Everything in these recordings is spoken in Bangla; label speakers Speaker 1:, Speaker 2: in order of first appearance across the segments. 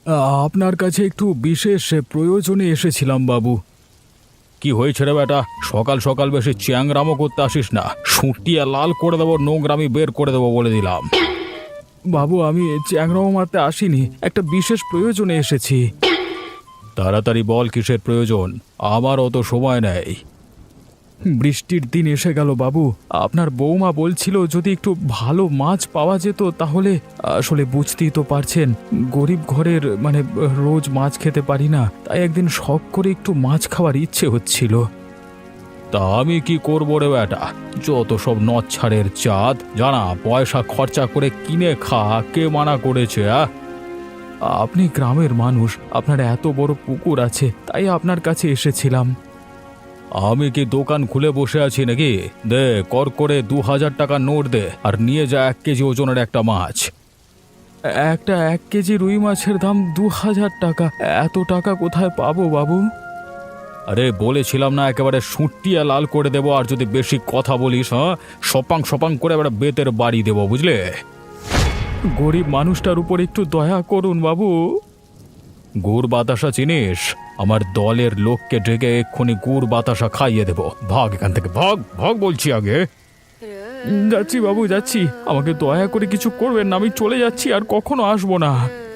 Speaker 1: আপনার কাছে একটু বিশেষ প্রয়োজনে এসেছিলাম বাবু। কি হয়েছে রে বেটা? সকাল সকাল বেশি চ্যাংরামো করতে আসিস না, সুটিয়ে লাল করে দেবো, নোংরামি বের করে দেবো বলে দিলাম। বাবু, আমি চ্যাংরামো মারতে আসিনি, একটা বিশেষ প্রয়োজনে এসেছি। তাড়াতাড়ি বল, কিসের প্রয়োজন? আমার অত সময় নেই। বৃষ্টির দিন এসে গেল বাবু, আপনার বৌমা বলছিল যদি একটু ভালো মাছ পাওয়া যেত তাহলে। আসলে বুঝতেই তো পারছেন, গরিব ঘরের মানে রোজ মাছ খেতে পারি না, তাই একদিন শখ করে একটু মাছ খাওয়ার ইচ্ছে হচ্ছিল। তা আমি কি করবো রে বেটা? যত সব নচ্ছারের চাঁদ, জানা পয়সা খরচা করে কিনে খা, কে মানা করেছে? আপনি গ্রামের মানুষ, আপনার এত বড় পুকুর আছে, তাই আপনার কাছে এসেছিলাম। আমি কি দোকান খুলে বসে আছি নাকি? দে, কর করে 2000 টাকা নোট দে, আর নিয়ে যা 1 কেজি ওজনের একটা মাছ। একটা 1 কেজি রুই মাছের দাম 2000 টাকা? এত টাকা কোথায় পাবো বাবু? আরে বলেছিলাম না, একেবারে সুটিয়ে লাল করে দেবো, আর যদি বেশি কথা বলিস, হ্যাঁ, সপাং সপাং করে এবারে বেতের বাড়ি দেবো, বুঝলে? গরিব মানুষটার উপর একটু দয়া করুন বাবু। গুড় বাতাসা চিনিস? আমার দলের লোককে ডেকে এক্ষুনি গুড় বাতাসা খাইয়ে দেব। ভাগ এখান থেকে, ভাগ ভাগ বলছি আগে। যাচ্ছি বাবু, যাচ্ছি, আমাকে দয়া করে কিছু করবেন না, আমি চলে যাচ্ছি, আর কখনো আসবো না।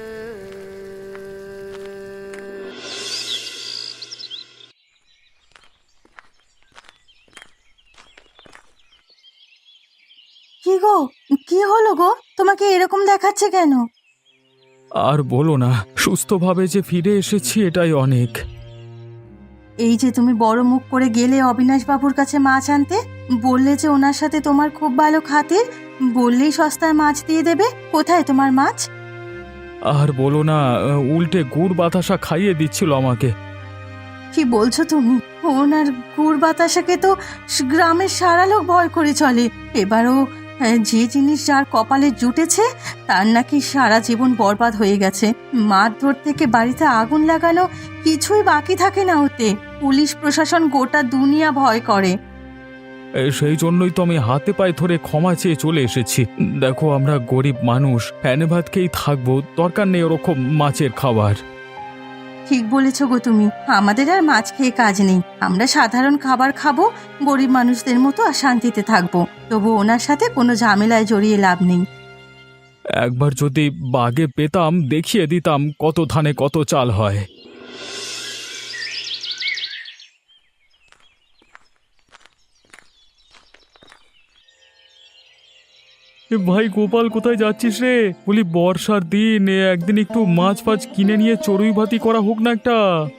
Speaker 2: কি গো, কি হলো গো? তোমাকে এরকম দেখাচ্ছে কেন?
Speaker 1: আর বলো না, সুস্থভাবে যে ফিরে এসেছি এটাই অনেক।
Speaker 2: এই যে তুমি বড় মুখ করে গেলে অবিনাশ বাবুর কাছে মাছ আনতে, বললে যে ওনার সাথে তোমার খুব ভালো খাতির, বললেই সস্তায় মাছ দিয়ে দেবে। কোথায় তোমার মাছ?
Speaker 1: আর বলো না, উল্টে গুড় বাতাসা খাইয়ে দিচ্ছিল আমাকে।
Speaker 2: কি বলছো তুমি? ওনার গুড় বাতাসাকে তো গ্রামের সারা লোক ভয় করে চলে। এবারও যে জিনিস যার কপালে জুটেছে তার নাকি সারা জীবন বরবাদ হয়ে গেছে। মারধর থেকে বাড়িতে আগুন লাগানো, কিছুই বাকি থাকে না ওতে। পুলিশ প্রশাসন গোটা দুনিয়া ভয় করে।
Speaker 1: সেই জন্যই তো আমি হাতে পায়ে ধরে ক্ষমা চেয়ে চলে এসেছি। দেখো, আমরা গরিব মানুষ, ফ্যানে ভাত খেয়েই থাকবো, দরকার নেই ওরকম মাছের খাবার।
Speaker 2: ঠিক বলেছো গো তুমি, আমাদের আর মাছ খেয়ে কাজ নেই। আমরা সাধারণ খাবার খাবো, গরিব মানুষদের মতো আর শান্তিতে থাকবো। তবু ওনার সাথে কোনো ঝামেলায় জড়িয়ে লাভ নেই।
Speaker 1: একবার যদি বাগে পেতাম, দেখিয়ে দিতাম কত ধানে কত চাল হয়। ভাই গোপাল, কোথায় যাচ্ছিস রে? বলি, বর্ষার দিন, একদিন একটু মাছ ফাছ কিনে নিয়ে চড়ুই ভাতি করা হোক না একটা।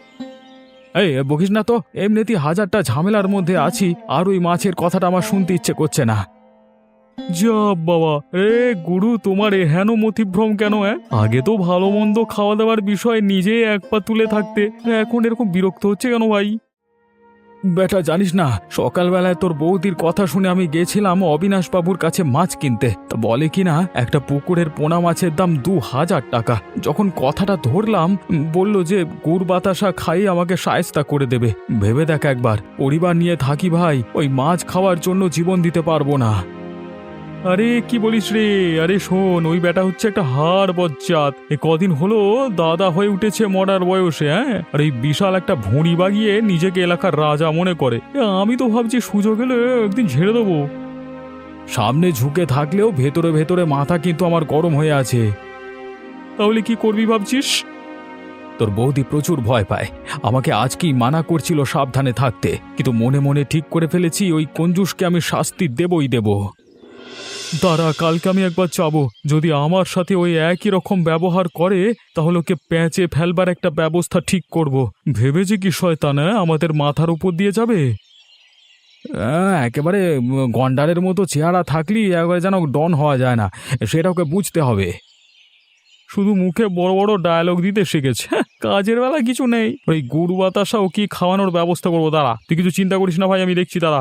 Speaker 1: এই বকিস না তো, এমনিতেই হাজারটা ঝামেলার মধ্যে আছি, আর ওই মাছের কথাটা আমার শুনতে ইচ্ছে করছে না। যা বাবা, গুরু, তোমার এহেন মতিভ্রম কেন? আগে তো ভালো মন্দ খাওয়া দাওয়ার বিষয়ে নিজে এক পা তুলে থাকতে, এখন এরকম বিরক্ত হচ্ছে কেন ভাই? বেটা, জানিস না, সকালবেলায় তোর বৌদির কথা শুনে আমি গেছিলাম অবিনাশ বাবুর কাছে মাছ কিনতে। তা বলে কিনা একটা পুকুরের পোনা মাছের দাম 2000 টাকা। যখন কথাটা ধরলাম, বলল যে গুড় বাতাসা খাইয়ে আমাকে শায়েস্তা করে দেবে। ভেবে দেখ একবার, পরিবার নিয়ে থাকি ভাই, ওই মাছ খাওয়ার জন্য জীবন দিতে পারবো না। আরে কি বলিস রে? আরে শোন, ওই বেটা হচ্ছে একটা হাড় বজ্জাত। এ কদিন হলো দাদা হয়ে উঠেছে মরার বয়সে, হ্যাঁ, আর এই বিশাল একটা ভুঁড়ি বাগিয়ে নিজেকে এলাকার রাজা মনে করে। আমি তো ভাবছি সুযোগ এলে একদিন ঝেড়ে দেবো। সামনে ঝুঁকে থাকলেও ভেতরে ভেতরে মাথা কিন্তু আমার গরম হয়ে আছে। তাহলে কি করবি ভাবছিস? তোর বৌদি প্রচুর ভয় পায়, আমাকে আজকেই মানা করছিল সাবধানে থাকতে, কিন্তু মনে মনে ঠিক করে ফেলেছি ওই কঞ্জুসকে আমি শাস্তি দেবই দেব। দাঁড়া, কালকে আমি একবার চাবো, যদি আমার সাথে ওই একই রকম ব্যবহার করে তাহলে ওকে প্যাঁচে ফেলবার একটা ব্যবস্থা ঠিক করব। ভেবেছি কি শয়তান আমাদের মাথার উপর দিয়ে যাবে? একেবারে গন্ডারের মতো চেহারা থাকলি একবারে যেন ডন হওয়া যায় না, সেটা ওকে বুঝতে হবে। শুধু মুখে বড় বড় ডায়লগ দিতে শিখেছে, কাজের বেলা কিছু নেই। ওই গুড় বাতাসা ও কি খাওয়ানোর ব্যবস্থা করবো, দাঁড়া, তুই কিছু চিন্তা করিস না ভাই, আমি দেখছি, দাঁড়া।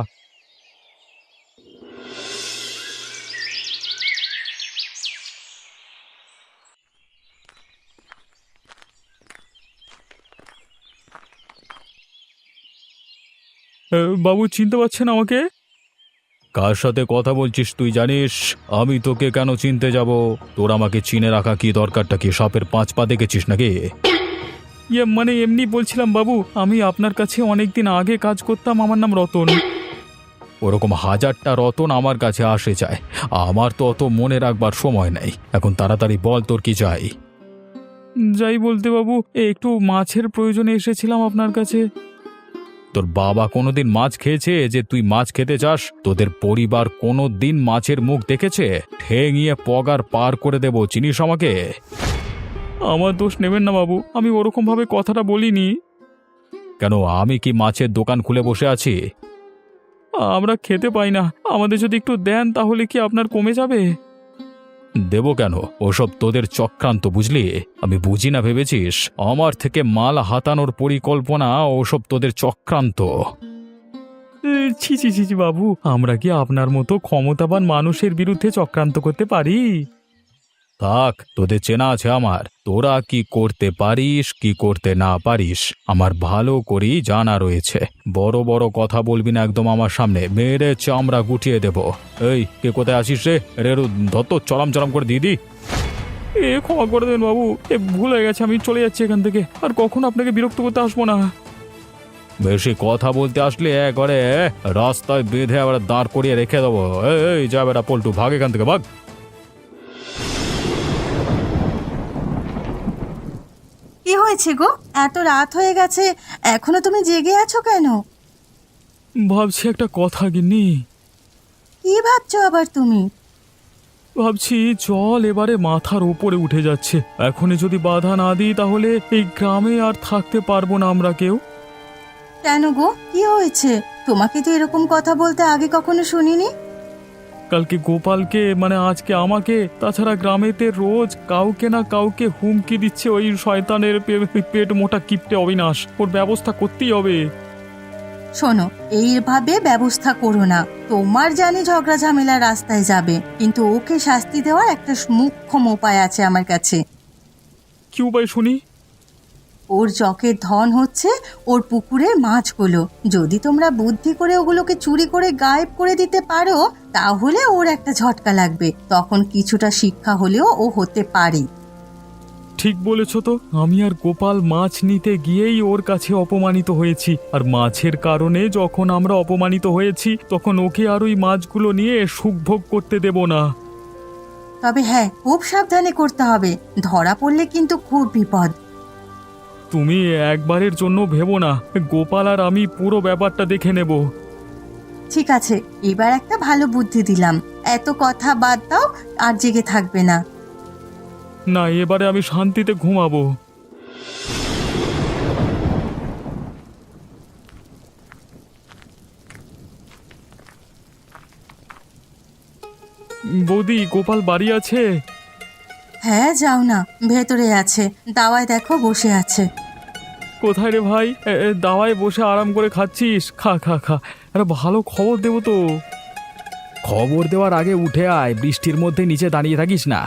Speaker 1: বাবু চিনতে পারছেন আমাকে? কার সাথে কথা বলছিস তুই জানিস? আমি তোকে কেন চিনতে যাব? তোর আমাকে চিনে রাখা কি দরকারটা কি? সাপের 5 পা দেখেছিস নাকি? মানে এমনি বলছিলাম বাবু, আমি আপনার কাছে অনেকদিন আগে কাজ করতাম, আমার নাম রতন। ওরকম হাজারটা রতন আমার কাছে আসে যায়, আমার তো অত মনে রাখবার সময় নেই। এখন তাড়াতাড়ি বল তোর কি চাই। যাই বলতে বাবু, একটু মাছের প্রয়োজনে এসেছিলাম আপনার কাছে। তোর বাবা কোনোদিন মাছ খেয়েছে যে তুই মাছ খেতে চাস? তোদের পরিবার কোনোদিন মাছের মুখ দেখেছে? ঠেঙিয়ে পগার পার করে দেবো, চিনিস আমাকে? আমার দোষ নেবেন না বাবু, আমি ওরকম ভাবে কথাটা বলিনি। কেন, আমি কি মাছের দোকান খুলে বসে আছি? আমরা খেতে পাই না, আমাদের যদি একটু দেন তাহলে কি আপনার কমে যাবে? দেব কেন? ওসব তোদের চক্রান্ত, বুঝলি? আমি বুঝি না ভেবেছিস? আমার থেকে মাল হাতানোর পরিকল্পনা ওসব তোদের চক্রান্ত। ছি ছি ছি ছি বাবু, আমরা কি আপনার মতো ক্ষমতাবান মানুষের বিরুদ্ধে চক্রান্ত করতে পারি? থাক, তোদের চেনা আছে আমার। তোরা কি করতে পারিস কি করতে না পারিস আমার ভালো করেই জানা রয়েছে। বড় বড় কথা বলবি না একদম আমার সামনে, মেরে চামড়া গুটিয়ে দেব। এই, কে কোথায় আসিস রে? রেরু ধত চরম চরম করে দিদি। ক্ষমা করে দেন বাবু, ভুল হয়ে গেছে, আমি চলে যাচ্ছি এখান থেকে, আর কখনো আপনাকে বিরক্ত করতে আসবো না। বেশি কথা বলতে আসলে একবারে রাস্তায় বেঁধে আবার দাঁড় করিয়ে রেখে দেবো। এই যা বেটা পল্টু, ভাগ এখান থেকে, ভাগ।
Speaker 2: কি হয়েছে গো? এত রাত হয়ে গেছে, এখনো তুমি জেগে আছো কেন?
Speaker 1: ভাবছি একটা কথা গিন্নি।
Speaker 2: কি ভাবছো আবার তুমি?
Speaker 1: ভাবছি জল এবারে মাথার উপরে উঠে যাচ্ছে, এখনই যদি বাধা না দিই তাহলে এই গ্রামে আর থাকতে পারবো না আমরা কেউ।
Speaker 2: কেন গো, কি হয়েছে? তোমাকে তো এরকম কথা বলতে আগে কখনো শুনিনি।
Speaker 1: কালকে গোপালকে, মানে আজকে আমাকে, তাছাড়া গ্রামেতে রোজ কাউকে না কাউকে হুমকি দিচ্ছে ওই শয়তানের পেট মোটা কিপটে অবিনাশ। ওর ব্যবস্থা করতেই হবে।
Speaker 2: শোনো, এইভাবে ব্যবস্থা করো না। তোমার জানি ঝগড়া ঝামেলা রাস্তায় যাবে, কিন্তু ওকে শাস্তি দেওয়ার একটা মুখ্যম উপায় আছে আমার কাছে।
Speaker 1: কি উপায় শুনি?
Speaker 2: ওর জকের ধন হচ্ছে ওর পুকুরের মাছগুলো। যদি তোমরা বুদ্ধি করে ওগুলোকে চুরি করে গায়েব করে দিতে পারো, তাহলে ওর একটা ঝটকা লাগবে, তখন কিছুটা শিক্ষা হলেও ও হতে পারে।
Speaker 1: ঠিক বলেছ তো, আমি আর গোপাল মাছ নিতে গিয়েই ওর কাছে অপমানিত হয়েছি, আর মাছের কারণে যখন আমরা অপমানিত হয়েছি তখন ওকে আর ওই মাছগুলো নিয়ে সুখভোগ করতে দেব না।
Speaker 2: তবে হ্যাঁ, খুব সাবধানে করতে হবে, ধরা পড়লে কিন্তু খুব বিপদ।
Speaker 1: তুমি একবারের জন্য ভেবো না, গোপাল আর আমি পুরো ব্যাপারটা দেখে নেব।
Speaker 2: ঠিক আছে, এবার একটা ভালো বুদ্ধি দিলাম, এত কথা বাদ দাও, আর জেগে থাকবে না।
Speaker 1: না, এবারে আমি শান্তিতে ঘুমাবো। বৌদি, গোপাল বাড়ি আছে?
Speaker 2: হ্যাঁ, যাও না, ভেতরে আছে, দাওয়ায় দেখো বসে আছে।
Speaker 1: কোথায় রে ভাই? দাওয়ায় বসে আরাম করে খাচ্ছিস? খা খা খা, আরে ভালো খবর দেবো তো। খবর দেওয়ার আগে উঠে আয়, বৃষ্টির মধ্যে নিচে দাঁড়িয়ে থাকিস না।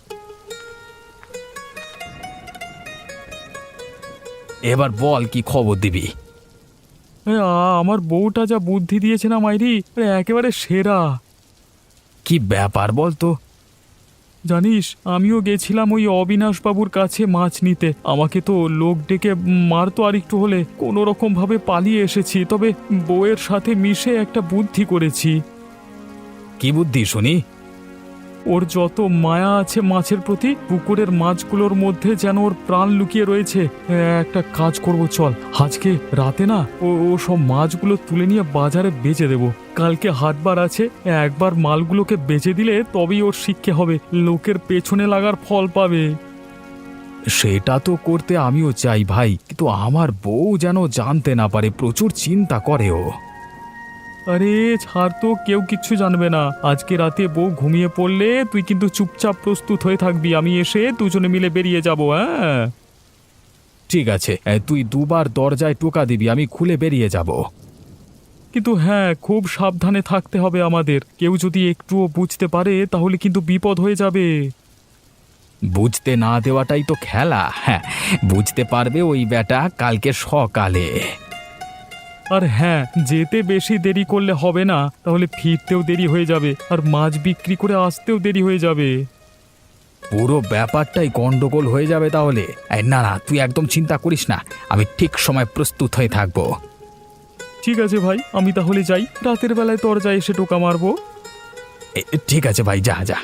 Speaker 1: এবার বল, কি খবর দিবি? আমার বউটা যা বুদ্ধি দিয়েছে না মাইরি, একেবারে সেরা। কি ব্যাপার বল তো? জানিস, আমিও গেছিলাম ওই অবিনাশবাবুর কাছে মাছ নিতে, আমাকে তো লোক ডেকে মারতো আর একটু হলে, কোনো রকম ভাবে পালিয়ে এসেছি, তবে বউয়ের সাথে মিশে একটা বুদ্ধি করেছি। কি বুদ্ধি শুনি? ওর যত মায়া আছে মাছের প্রতি, পুকুরের মাছগুলোর মধ্যে যেন ওর প্রাণ লুকিয়ে রয়েছে। একটা কাজ করব, চল আজকে রাতে না ও সব মাছগুলো তুলে নিয়ে বাজারে বেচে দেব। কালকে হাটবার আছে, একবার মালগুলোকে বেচে দিলে তবেই ওর শিক্ষে হবে, লোকের পেছনে লাগার ফল পাবে। সেটা তো করতে আমিও চাই ভাই, কিন্তু আমার বউ যেন জানতে না পারে, প্রচুর চিন্তা করে ও। আরে ছাড় তো, কেউ কিচ্ছু জানবে না। আজকে রাতে বউ ঘুমিয়ে পড়লে তুই কিন্তু চুপচাপ প্রস্তুত হয়ে থাকবি, আমি এসে দুজনে মিলে বেরিয়ে যাব। হ্যাঁ ঠিক আছে, তুই দুবার দরজায় টোকা দিবি, আমি খুলে বেরিয়ে যাব। কিন্তু হ্যাঁ, খুব সাবধানে থাকতে হবে আমাদের, কেউ যদি একটুও বুঝতে পারে তাহলে কিন্তু বিপদ হয়ে যাবে। বুঝতে না দেওয়াটাই তো খেলা। হ্যাঁ, বুঝতে পারবে ওই বেটা কালকে সকালে। আর হ্যাঁ, যেতে বেশি দেরি করলে হবে না, তাহলে ফিরতেও দেরি হয়ে যাবে আর মাছ বিক্রি করে আসতেও দেরি হয়ে যাবে। পুরো ব্যাপারটাই গন্ডগোল হয়ে যাবে তাহলে। না না, তুই একদম চিন্তা করিস না, আমি ঠিক সময় প্রস্তুত হয়ে থাকবো। ঠিক আছে ভাই, আমি তাহলে যাই, রাতের বেলায় দরজায় এসে টোকা মারবো। ঠিক আছে ভাই, যা যা।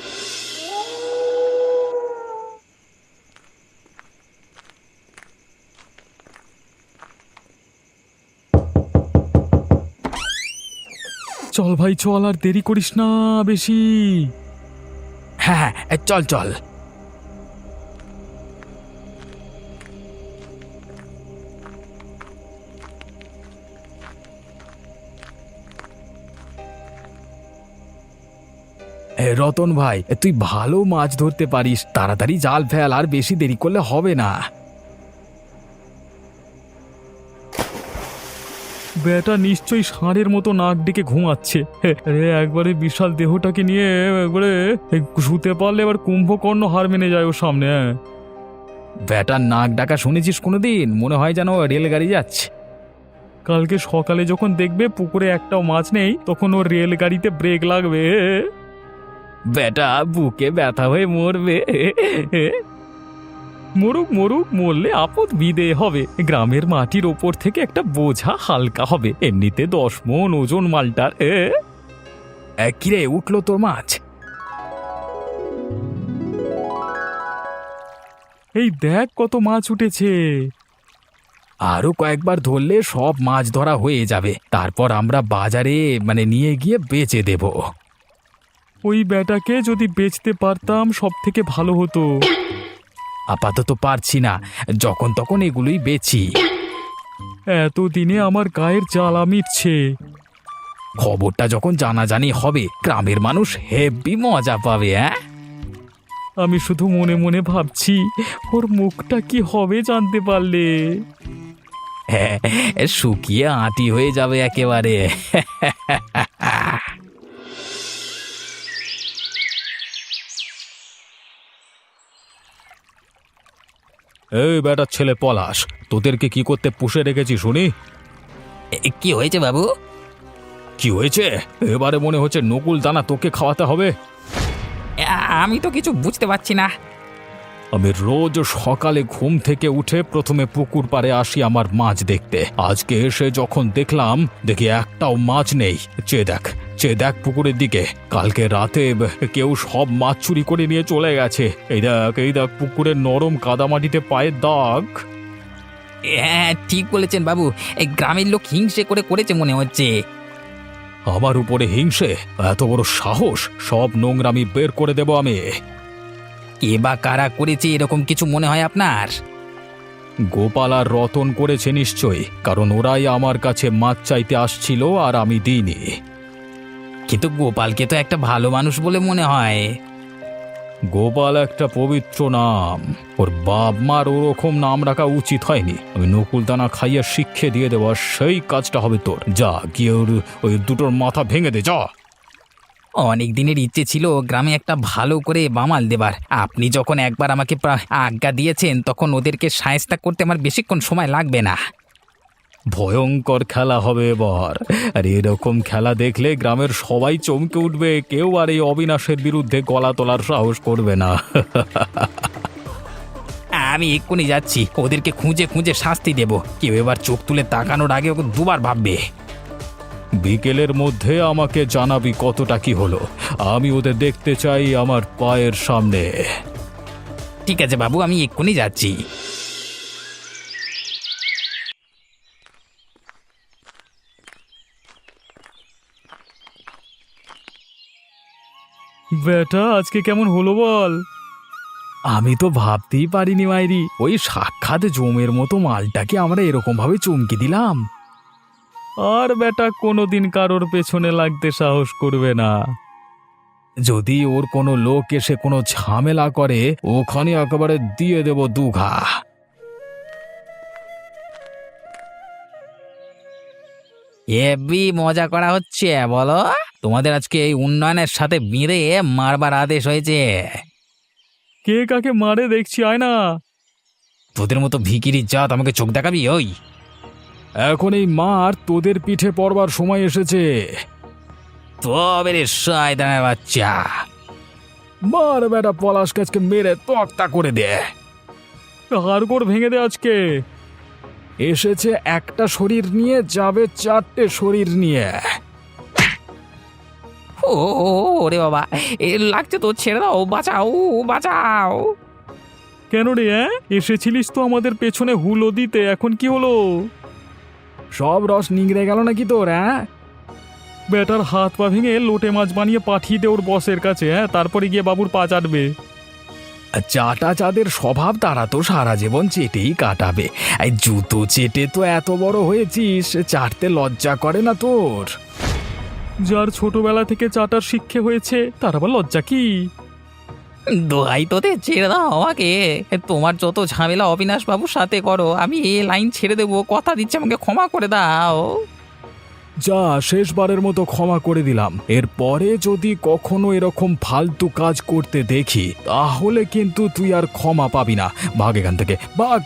Speaker 1: চল ভাই চল, আর দেরি করিস না বেশি। হ্যাঁ হ্যাঁ, চল চল। রতন ভাই, তুই ভালো মাছ ধরতে পারিস, তাড়াতাড়ি জাল ফেল, আর বেশি দেরি করলে হবে না। বেটা নিশ্চয়ই ষাঁড়ের মতো নাক ডেকে ঘুমাচ্ছে। একবারে বিশাল দেহটাকে নিয়ে একবারে শুতে পারলে এবার কুম্ভকর্ণ হার মেনে যায় ওর সামনে। বেটার নাক ডাকা শুনেছিস কোনোদিন? মনে হয় যেন রেলগাড়ি যাচ্ছে। কালকে সকালে যখন দেখবে পুকুরে একটাও মাছ নেই, তখন ওর রেলগাড়িতে ব্রেক লাগবে। বেটা বুকে ব্যথা হয়ে মরবে। মরুক মরুক, মরলে আপদ বিদে হবে। গ্রামের মাটির ওপর থেকে একটা বোঝা হালকা হবে, এমনিতে 10 মণ ওজন মালটার। কিরে, উঠলো তোর মাছ? এই দেখ কত মাছ উঠেছে। আরো কয়েকবার ধরলে সব মাছ ধরা হয়ে যাবে, তারপর আমরা বাজারে নিয়ে গিয়ে বেচে দেব। ওই বেটাকে যদি বেচতে পারতাম সব থেকে ভালো হতো। আপাতত পারছি না, যখন তখন এগুলোই বেচি। এতদিনে আমার গায়ের জ্বালা মিটছে। খবরটা যখন জানাজানি হবে, গ্রামের মানুষ হেব্বি মজা পাবে। আমি শুধু মনে মনে ভাবছি, ওর মুখটা কি হবে জানতে পারলে। হ্যাঁ, শুকিয়ে আঁটি হয়ে যাবে একেবারে। এই বেটার ছেলে পলাশ, তোদেরকে কি করতে পুষে রেখেছি শুনি?
Speaker 3: কি হয়েছে বাবু?
Speaker 1: কি হয়েছে? এবারে মনে হচ্ছে নকুল দানা তোকে খাওয়াতে হবে।
Speaker 3: আমি তো কিছু বুঝতে পারছি না।
Speaker 1: আমি রোজ সকালে ঘুম থেকে উঠে প্রথমে পুকুর পাড়ে আসি আমার মাছ দেখতে। আজকে এসে যখন দেখলাম, দেখি একটাও মাছ নেই। চেয়ে দেখ পুকুরের দিকে। কালকে রাতে কেউ সব মাছ চুরি করে নিয়ে চলে গেছে। এই দেখ পুকুরের নরম কাদামাটিতে পায়ের দাগ।
Speaker 3: হ্যাঁ, ঠিক বলেছেন বাবু, এই গ্রামের লোক হিংসে করে করেছে মনে হচ্ছে।
Speaker 1: আমার উপরে হিংসে? এত বড় সাহস! সব নোংরামি বের করে দেব আমি।
Speaker 3: কে বা কারা করেছে এরকম কিছু মনে হয় আপনার?
Speaker 1: গোপাল আর রতন করেছে নিশ্চয়ই, কারণ ওরাই আমার কাছে মাছ চাইতে আসছিল আর আমি দিইনি।
Speaker 3: কিন্তু গোপালকে তো একটা ভালো মানুষ বলে মনে হয়।
Speaker 1: গোপাল একটা পবিত্র নাম, ওর বাপ মার ওরকম নাম রাখা উচিত হয়নি। আমি নকুল দানা খাইয়ে শিক্ষে দিয়ে দেবো, সেই কাজটা হবে তোর। যা গিয়ে ওই দুটোর মাথা ভেঙে দে, যা।
Speaker 3: অনেক দিনের ইচ্ছে ছিল গ্রামে একটা ভালো করে বামাল দেবার। আপনি যখন একবার আমাকে আজ্ঞা দিয়েছেন, তখন ওদেরকে শায়েস্তা করতে আমার বেশিক্ষণ সময় লাগবে না।
Speaker 1: ভয়ঙ্কর খেলা হবে এবার, আর এরকম খেলা দেখলে গ্রামের সবাই চমকে উঠবে। কেউ আর এই অবিনাশের বিরুদ্ধে গলা তোলার সাহস করবে না।
Speaker 3: আমি এক্ষুনি যাচ্ছি, ওদেরকে খুঁজে খুঁজে শাস্তি দেব। কেউ এবার চোখ তুলে তাকানোর আগে ওকে দুবার ভাববে।
Speaker 1: বিকেলের মধ্যে আমাকে জানাবি কতটা কি হলো। আমি ওদের দেখতে চাই আমার পায়ের সামনে।
Speaker 3: ঠিক আছে বাবু, আমি এক্ষুনি যাচ্ছি।
Speaker 1: বেটা আজকে কেমন হলো বল? আমি তো ভাবতেই পারিনি মাইরি, ওই সাক্ষাৎ জমের মতো মালটাকে আমরা এরকম ভাবে চমকে দিলাম। আর বেটা কোনোদিন কারোর পেছনে লাগতে সাহস করবে না। যদি ওর কোনো লোক এসে কোনো ঝামেলা করে, ওখানে একেবারে দিয়ে দেব দুঘা।
Speaker 3: হেব্বি মজা করা হচ্ছে বলো। তোমাদের আজকে এই উন্নয়নের সাথে বেঁধে মারবার আদেশ হয়েছে।
Speaker 1: কে কাকে মারে দেখছি, আয় না।
Speaker 3: তোদের মতো ভিকিরি জাত আমাকে চোখ দেখাবি? ওই
Speaker 1: এখন এই মার তোদের পিঠে পড়বার সময় এসেছে।
Speaker 3: তবে রে শয়তানের বাচ্চা,
Speaker 1: মার বেটা পলাশ গাছকে মেরে তক্তা করে দে, হাড়গোড় ভেঙে দে আজকে। এসেছে একটা শরীর নিয়ে, যাবে 4টে শরীর নিয়ে।
Speaker 3: ও ওরে বাবা, এ লাগছে তো, ছেড়ে দাও, বাঁচাও বাঁচাও।
Speaker 1: কেন রে এসেছিলিস তো আমাদের পেছনে হুলো দিতে, এখন কি হলো? সব রস নিংড়ে গেল নাকি তোর? বেটার হাত পা ভেঙে লোটে মাছ বানিয়ে পাঠিয়ে দে ওর বসের কাছে, তারপরে গিয়ে বাবুর পা চাটবে। চাটা যাদের স্বভাব তারা তো সারা জীবন চেটেই কাটাবে। এই জুতো চেটে তো এত বড় হয়েছিস, চাটতে লজ্জা করে না তোর? যার ছোটবেলা থেকে চাটার শিক্ষা হয়েছে তার আবার লজ্জা কি?
Speaker 3: দোহাই তোদের, ছেড়ে দাও আমাকে। তোমার যত ঝামেলা অবিনাশ বাবুর সাথে করো, আমি এ লাইন ছেড়ে দেবো, কথা দিচ্ছি, আমাকে ক্ষমা করে দাও।
Speaker 1: যা, শেষবারের মতো ক্ষমা করে দিলাম। এরপরে যদি কখনো এরকম ফালতু কাজ করতে দেখি তাহলে কিন্তু তুই আর ক্ষমা পাবি না। ভাগ এখান থেকে, ভাগ।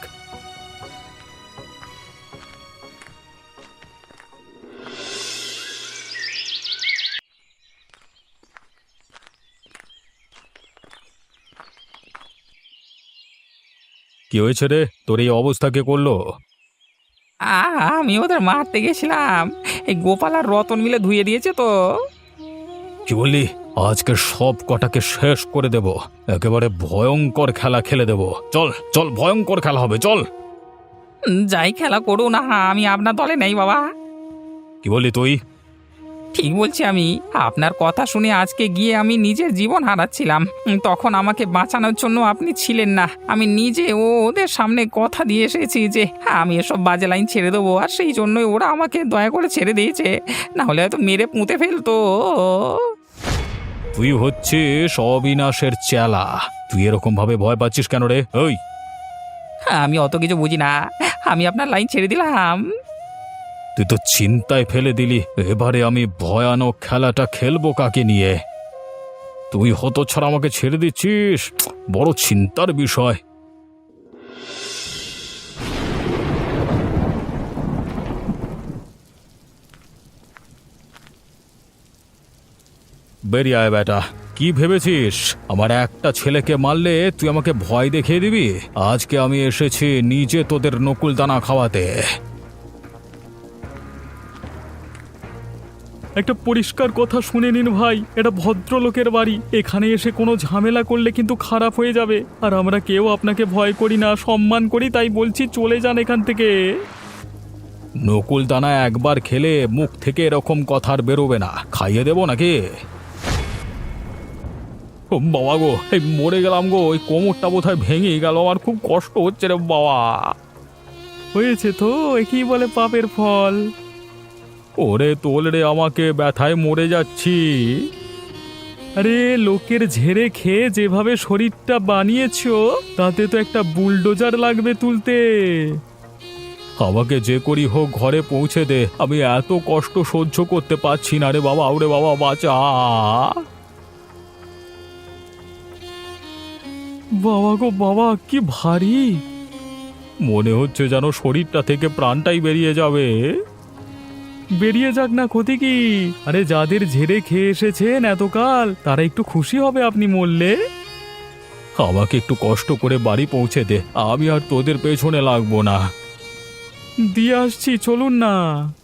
Speaker 1: কি হয়েছে রে, তোর এই অবস্থা কে করলো?
Speaker 3: আমি ওদের মারতে গেছিলাম, এই গোপাল আর রতন মিলে ধুয়ে দিয়েছে তো।
Speaker 1: কি বললি? আজকে সব কটাকে শেষ করে দেব, একেবারে ভয়ঙ্কর খেলা খেলে দেব। চল চল, ভয়ঙ্কর খেলা হবে, চল।
Speaker 3: যাই খেলা করো না, আমি আপনার দলে নেই বাবা।
Speaker 1: কি বললি তুই?
Speaker 3: ঠিক বলছি আমি। আপনার কথা শুনে আজকে গিয়ে আমি নিজের জীবন হারাচ্ছিলাম, তখন আমাকে বাঁচানোর জন্য আপনি ছিলেন না। আমি নিজে ওদের সামনে কথা দিয়ে এসেছি যে আমি এসব বাজে লাইন ছেড়ে দেবো, আর সেই জন্যই ওরা আমাকে দয়া করে ছেড়ে দিয়েছে, না হলে হয়তো মেরে পুঁতে ফেলতো।
Speaker 1: তুই হচ্ছিস অবিনাশের চেলা, তুই এরকম ভাবে ভয় পাচ্ছিস কেন রে? ওই,
Speaker 3: আমি অত কিছু বুঝি না, আমি আপনার লাইন ছেড়ে দিলাম।
Speaker 1: তুই তো চিন্তায় ফেলে দিলি। এবারে আমি ভয়ানক খেলাটা খেলবো কাকে নিয়ে? তুই হতচ্ছাড়া আমাকে ছেড়ে দিচ্ছিস, বড় চিন্তার বিষয়। বেরিয়ে আয় বেটা। কি ভেবেছিস আমার একটা ছেলেকে মারলে তুই আমাকে ভয় দেখিয়ে দিবি? আজকে আমি এসেছি নিজে তোদের নকুল দানা খাওয়াতে। একটা পরিষ্কার কথা শুনে নিন ভাই, এটা ভদ্রলোকের বাড়ি, এখানে এসে কোনো ঝামেলা করলে কিন্তু খারাপ হয়ে যাবে। আর আমরা কেউ আপনাকে ভয় করি না, সম্মান করি, তাই বলছি চলে যান এখান থেকে। নকুল দানা একবার খেলে মুখ থেকে এরকম কথা আর বেরোবে না। খাইয়ে দেবো নাকি? ও বাবা গো, এই মরে গেলাম গো, ওই কোমরটা বোধহয় ভেঙে গেল, আমার খুব কষ্ট হচ্ছে রে বাবা। হয়েছে তো, একই বলে পাপের ফল। ওরে তোল রে, আমাকে ব্যথায় মরে যাচ্ছি। আরে লোকের ঝেড়ে খেয়ে যেভাবে শরীরটা বানিয়েছো তাতে তো একটা বুলডোজার লাগবে তুলতে। আমাকে যে করি হোক ঘরে পৌঁছে দে, আমি এত কষ্ট সহ্য করতে পারছি না রে বাবা। ওরে বাবা বাঁচা। বাবা গো বাবা, কি ভারী মনে হচ্ছে, যেন শরীরটা থেকে প্রাণটাই বেরিয়ে যাবে। বেরিয়ে যাক না, ক্ষতি কি? আরে যাদের ঝেড়ে খেয়ে এসেছেন এতকাল তারা একটু খুশি হবে আপনি মরলে। আমাকে একটু কষ্ট করে বাড়ি পৌঁছে দে, আমি আর তোদের পেছনে লাগবো না। দিয়ে আসছি, চলুন না।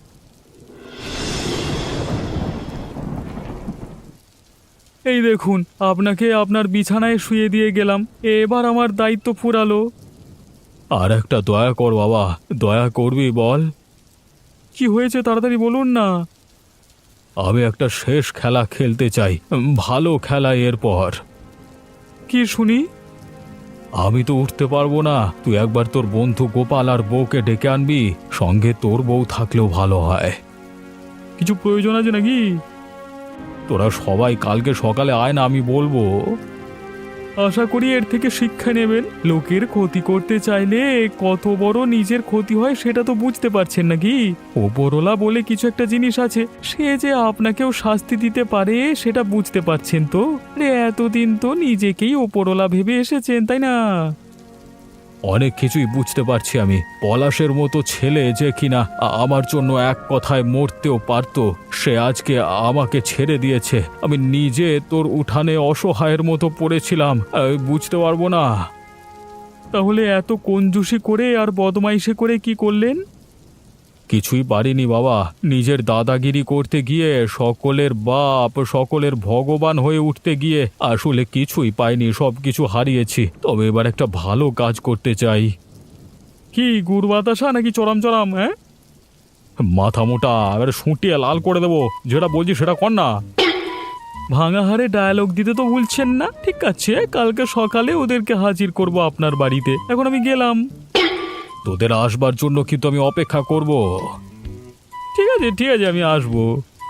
Speaker 1: এই দেখুন, আপনাকে আপনার বিছানায় শুয়ে দিয়ে গেলাম, এবার আমার দায়িত্ব ফুরালো। আর একটা দয়া কর বাবা, দয়া করবি বল? কি হয়েছে তাড়াতাড়ি বলুন না। আমি একটা শেষ খেলা খেলতে চাই, ভালো খেলা। এরপর কি শুনি? আমি তো উঠতে পারবো না, তুই একবার তোর বন্ধু গোপাল আর বউকে ডেকে আনবি, সঙ্গে তোর বউ থাকলেও ভালো হয়। কিছু প্রয়োজন আছে নাকি? তোরা সবাই কালকে সকালে আয় না, আমি বলবো। আশা করি এর থেকে শিক্ষা নেবেন। লোকের ক্ষতি করতে চাইলে কত বড় নিজের ক্ষতি হয় সেটা তো বুঝতে পারছেন নাকি? ওপরওয়ালা বলে কিছু একটা জিনিস আছে, সে যে আপনাকেও শাস্তি দিতে পারে সেটা বুঝতে পারছেন তো? এতদিন তো নিজেকেই ওপরওয়ালা ভেবে এসেছেন, তাই না? অনেক কিছুই বুঝতে পারছি আমি। পলাশের মতো ছেলে যে কিনা আমার জন্য এক কথায় মরতেও পারতো, সে আজকে আমাকে ছেড়ে দিয়েছে। আমি নিজে তোর উঠানে অসহায়ের মতো পড়েছিলাম, বুঝতে পারবো না। তাহলে এত কঞ্জুসি করে আর বদমাইশি করে কি করলেন? কিছুই পারিনি বাবা। নিজের দাদাগিরি করতে গিয়ে, সকলের বাপ, সকলের ভগবান হয়ে উঠতে গিয়ে আসলে কিছুই পাইনি, সব কিছু হারিয়েছি। তবে এবার একটা ভালো কাজ করতে চাই। কি গুড় বাতাসা নাকি চরম চরম? হ্যাঁ, মাথা মোটা, এবারে শুঁটিয়ে লাল করে দেবো। যেটা বলছি সেটা কর না। ভাঙা হারে ডায়ালগ দিতে তো ভুলছেন না। ঠিক আছে, কালকে সকালে ওদেরকে হাজির করব আপনার বাড়িতে। এখন আমি গেলাম। তোদের আসবার জন্য কিন্তু আমি অপেক্ষা করব। ঠিক আছে ঠিক আছে, আমি আসবো।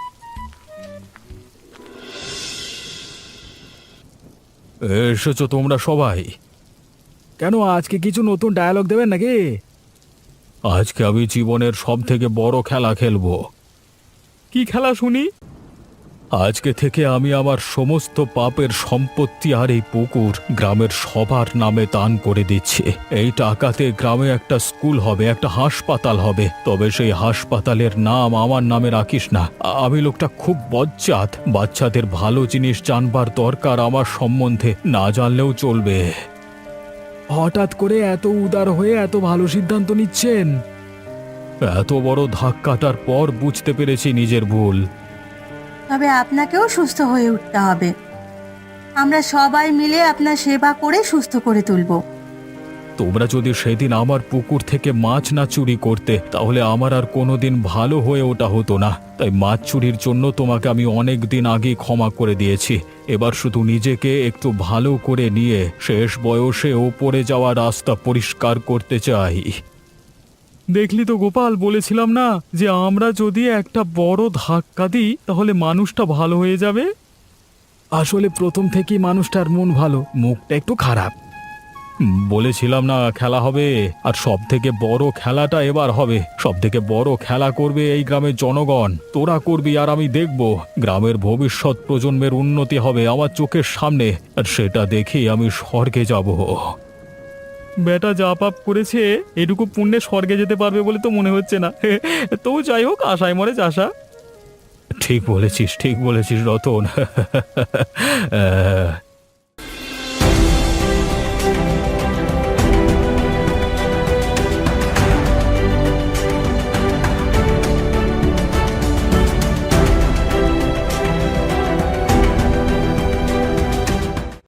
Speaker 1: এসেছো তোমরা সবাই? কেন, আজকে কিছু নতুন ডায়ালগ দেবেন নাকি? আজকে আমি জীবনের সব থেকে বড় খেলা খেলবো। কি খেলা শুনি? আজকে থেকে আমি আমার সমস্ত পাপের সম্পত্তি আর এই পুকুর গ্রামের সবার নামে দান করে দিচ্ছি। এই টাকাতে গ্রামে একটা স্কুল হবে, একটা হাসপাতাল হবে। তবে সেই হাসপাতালের নাম আমার নামে রাখিস না। আমি লোকটা খুব বজ্জাত। বাচ্চাদের ভালো জিনিস জানবার দরকার আমার সম্বন্ধে, না জানলেও চলবে। হঠাৎ করে এত উদার হয়ে এত ভালো সিদ্ধান্ত নিচ্ছেন? এত বড় ধাক্কাটার পর বুঝতে পেরেছি নিজের ভুল।
Speaker 2: তবে আপনাকেও সুস্থ হয়ে উঠতে হবে। আমরা সবাই মিলে আপনার সেবা করে সুস্থ করে তুলব।
Speaker 1: তোমরা যদি সেদিন আমার পুকুর থেকে মাছ না চুরি করতে, তাহলে আমার আর কোনোদিন ভালো হয়ে ওঠা হতো না। তাই মাছ চুরির জন্য তোমাকে আমি অনেক দিন আগে ক্ষমা করে দিয়েছি। এবার শুধু নিজেকে একটু ভালো করে নিয়ে শেষ বয়সে ওপরে যাওয়া রাস্তা পরিষ্কার করতে চাই। দেখলি তো গোপাল, বলেছিলাম না যে আমরা যদি একটা বড় ধাক্কা দিই তাহলে মানুষটা ভালো হয়ে যাবে। আসলে প্রথম থেকেই মানুষটার মন ভালো, মুখটা একটু খারাপ। বলেছিলাম না খেলা হবে, আর সব থেকে বড় খেলাটা এবার হবে। সব থেকে বড় খেলা করবে এই গ্রামের জনগণ। তোরা করবি আর আমি দেখব। গ্রামের ভবিষ্যৎ প্রজন্মের উন্নতি হবে আমার চোখের সামনে, আর সেটা দেখেই আমি স্বর্গে যাব। বেটা যা পাপ করেছে এটুকু পুণ্যে স্বর্গে যেতে পারবে বলে তো মনে হচ্ছে না। তো যাই হোক, আশায় মরে চাষা। ঠিক বলেছিস রতন।